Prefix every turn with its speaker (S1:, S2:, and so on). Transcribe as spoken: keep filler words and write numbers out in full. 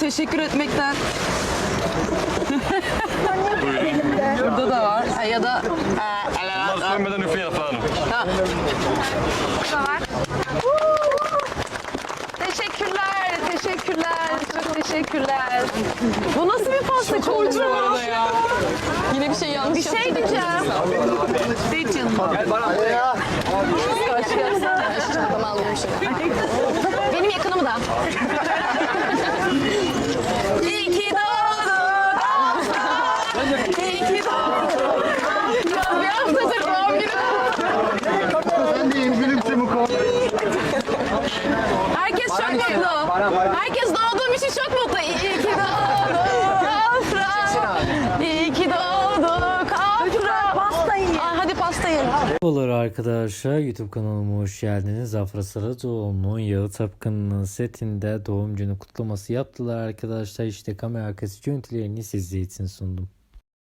S1: teşekkür etmekten. Burada da var. Ha, ya da
S2: Bunlar sönmeden üfleyin efendim.
S1: ha. Burada var. Teşekkürler, teşekkürler, çok teşekkürler. Bu nasıl bir pasta koydu bu arada ya?
S3: Yine bir şey yanlış
S1: Bir şey diyeceğim. Değil canım.
S2: Gel bana ya.
S3: Çantamı aldım şimdi.
S1: Benim yakınımı da. İyi ki doğdun Afra. İyi ki doğdun. Bir haftadır doğum günü.
S2: Ben de İngilizce bu konu.
S1: Herkes çok mutlu. Herkes doğduğum için çok mutlu. İyi ki doğdun Afra. İyi ki doğduk Afra. Pasta yiyin. Hadi pasta yiyin.
S4: Merhabalar arkadaşlar, YouTube kanalıma hoş geldiniz. Afra Saracoğlu'nun Yağı Tapkanı'nın setinde doğum günü kutlaması yaptılar arkadaşlar. İşte kamera arkası görüntülerini sizler için sundum.